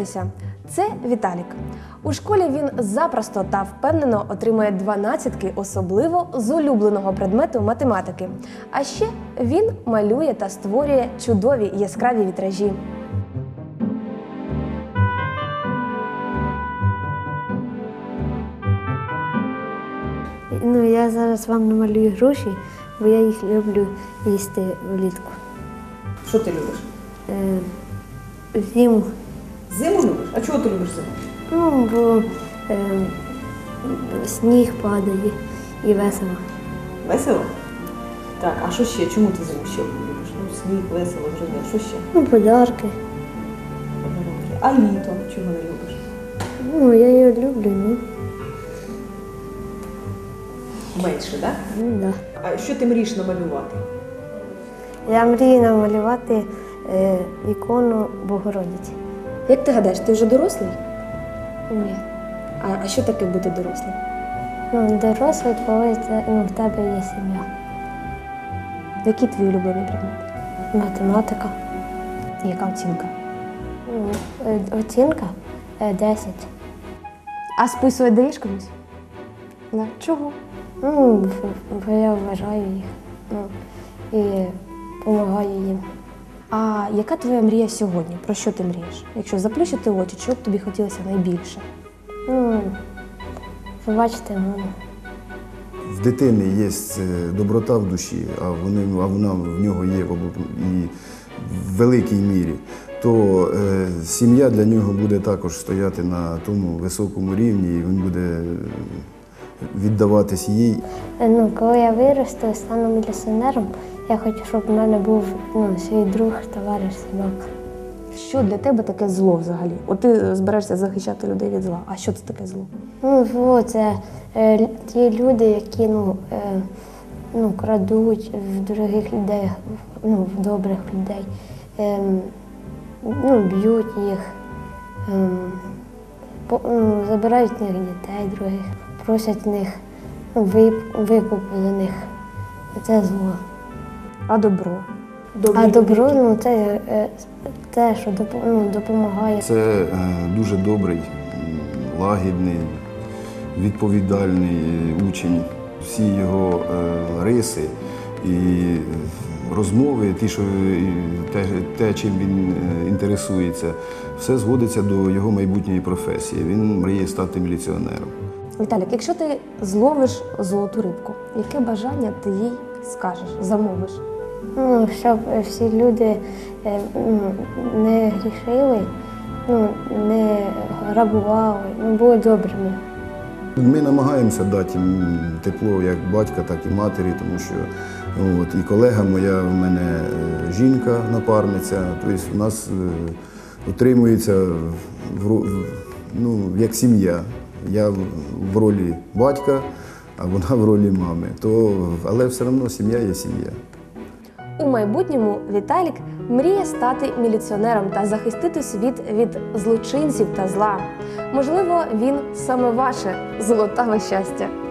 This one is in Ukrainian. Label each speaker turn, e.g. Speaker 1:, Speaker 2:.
Speaker 1: Знайомтеся, це Віталік. У школі він запросто та впевнено отримує 12-ки, особливо з улюбленого предмету математики. А ще він малює та створює чудові яскраві вітражі.
Speaker 2: Я зараз вам намалюю груші, бо я їх люблю їсти влітку.
Speaker 3: Що ти любиш?
Speaker 2: Зиму.
Speaker 3: Зиму любиш? А чого ти любиш зиму?
Speaker 2: Бо сніг падає і весело.
Speaker 3: Весело? Так, а що ще? Чому ти зиму ще любиш? Сніг, весело, зрозуміло. Що ще?
Speaker 2: Подарки.
Speaker 3: Подарунки. А літо чого не любиш?
Speaker 2: Я його люблю,
Speaker 3: Менше, так?
Speaker 2: Да.
Speaker 3: А що ти мрієш намалювати?
Speaker 2: Я мрію намалювати ікону Богородиці.
Speaker 1: Як ти гадаєш, ти вже дорослий?
Speaker 2: Ні.
Speaker 1: А що таке бути дорослим?
Speaker 2: Дорослий, коли в тебе є сім'я.
Speaker 1: Який твій улюблений предмет?
Speaker 2: Математика.
Speaker 1: Яка оцінка?
Speaker 2: Оцінка 10.
Speaker 1: А списувати даєш комусь? Да. Чого?
Speaker 2: Бо я вважаю їх і допомагаю їм.
Speaker 1: А яка твоя мрія сьогодні? Про що ти мрієш? Якщо заплющити очі, чого б тобі хотілося найбільше?
Speaker 2: Побачити маму.
Speaker 4: В дитини є доброта в душі, а вона в нього є і в великій мірі, то сім'я для нього буде також стояти на тому високому рівні, і він буде віддаватись їй.
Speaker 2: Коли я виросту, стану міліціонером, я хочу, щоб в мене був свій друг, товариш, собака.
Speaker 1: Що для тебе таке зло взагалі? От ти збираєшся захищати людей від зла. А що це таке зло?
Speaker 2: Зло – це ті люди, які крадуть в дорогих людей, в добрих людей, б'ють їх, забирають в них дітей других, просять в них викуп за них. Це зло.
Speaker 1: А добро?
Speaker 2: А добро це те, що допомагає.
Speaker 4: Це дуже добрий, лагідний, відповідальний учень. Всі його риси і розмови, те, чим він інтересується, все зводиться до його майбутньої професії. Він мріє стати міліціонером.
Speaker 1: Віталік, якщо ти зловиш золоту рибку, яке бажання ти їй скажеш, замовиш?
Speaker 2: Щоб всі люди не грішили, не грабували, були добрими.
Speaker 4: Ми намагаємося дати їм тепло як батька, так і матері, тому що і колега моя, в мене жінка, напарниця, тобто у нас утримується як сім'я. Я в ролі батька, а вона в ролі мами. Але все одно сім'я є сім'я.
Speaker 1: У майбутньому Віталік мріє стати міліціонером та захистити світ від злочинців та зла. Можливо, він саме ваше золотаве щастя.